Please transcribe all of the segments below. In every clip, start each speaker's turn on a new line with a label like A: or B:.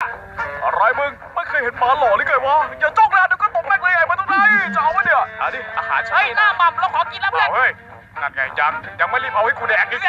A: อะไรมึงไม่เคยเห็นหมาหล่อหรือไงวะอย่าจ้องนะเดี๋ยวก็ตบแม่งเลยไอ้มาตรงไหนจะเอาวะเนี่ยอันนี้อาหารใช่หน้าหม่ำเราขอกินแล้วเพื่อนเฮ้ยนั่นไงยังไม่รีบเอาให้กูแดกอีก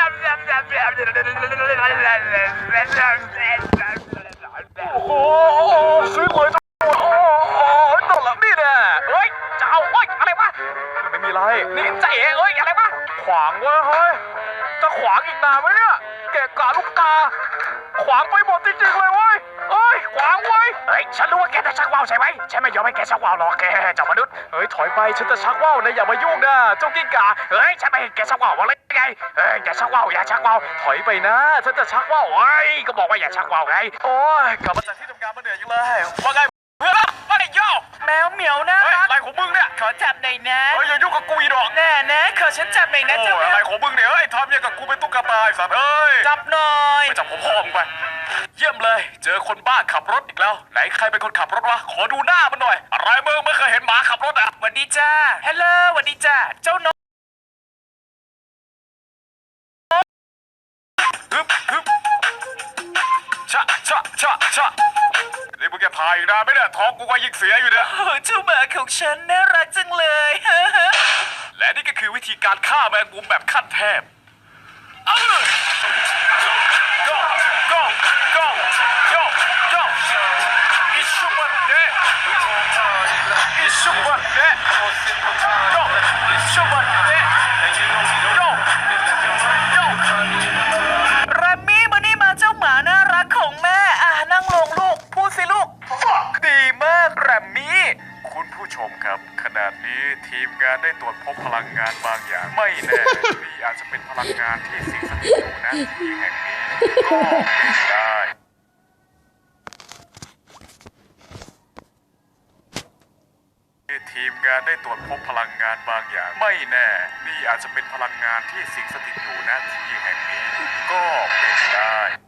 A: โอ้โหซื้อหวยจังโอ้ตลกนี่แน่เฮ้ยจะเอาเฮ้ยอะไรวะไม่มีไรนี่ใจเอ๋เฮ้ยอะไรวะขวางเว้ยเฮ้ยจะขวางอีกนานไหมเนี่ยเกะกะลูกตาขวางไปหมดจริงๆเลยเว้ยเฮ้ยขวางไว้เฮ้ยฉันรู้ว่าแกจะชักว่าวใช่ไหมฉันไม่ยอมให้แกชักว่าวหรอกแกเจ้ามนุษย์เฮ้ยถอยไปฉันจะชักว่าวนะอย่ามายุ่งนะเจ้ากิ้งก่าเฮ้ยฉันไม่เห็นแกชักว่าวอะไรไงเฮ้ยอย่าชักว่าวอย่าชักว่าวถอยไปนะฉันจะชักว่าวเฮ้ยก็บอกว่าอย่าชักว่าวไงโอ้ยกลับมาจากที่ทำงานมาเหนื่อยจังเลยว่าไงเพื่อนว่าไงโย่
B: แมวเหมียวนะ
A: อะไรของมึงเนี่ย
B: ขอจับหน่อยนะ
A: เฮ้ยอย่ายุ่งกับกูอีดอก
B: แน่นะขอฉันจับหน่อยนะเจ้า
A: อะไรของมึงเนี่ยเฮ้ยทำอย่างกับกูเป็นตุ๊กตาไอ้สัตว์เฮ้ย
B: จับหน่อย
A: ไปจับผมพ่อมึงไปเยี่ยมเลยเจอคนบ้าขับรถอีกแล้วไหนใครเป็นคนขับรถวะขอดูหน้ามันหน่อยอะไรมึงไม่เคยเห็นหมาขับรถอ่ะ
B: สวัสดีจ้าฮัลโหลสวัสดีจ้าเจ้านก
A: ฮึบชะนี่มึงจะถ่ายอีกนานไหมเนี่ยท้องกูก็ยิ่งเสียอยู่เนี่ย
B: เจ้าหมาของฉันน่ารักจังเลย
A: และนี่ก็คือวิธีการฆ่าแมงมุมแบบขั้นเทพgo it's super day it's super day go it's super day go
B: แรมมี่มานี่มาเจ้าหมาน่ารักของแม่นั่งลงลูกพูดสิลูก
A: ดีมากแรมมี่คุณผู้ชมครับขณะนี้ทีมงานได้ตรวจพบพลังงานบางอย่างไม่แน่นี่อาจจะเป็นพลังงานที่สิงสถิตอยู่ณที่แห่งนี้ก็เป็นได้ทีมงานได้ตรวจพบพลังงานบางอย่างไม่แน่นี่อาจจะเป็นพลังงานที่สิงสถิตอยู่ณที่แห่งนี้ก็เป็นได้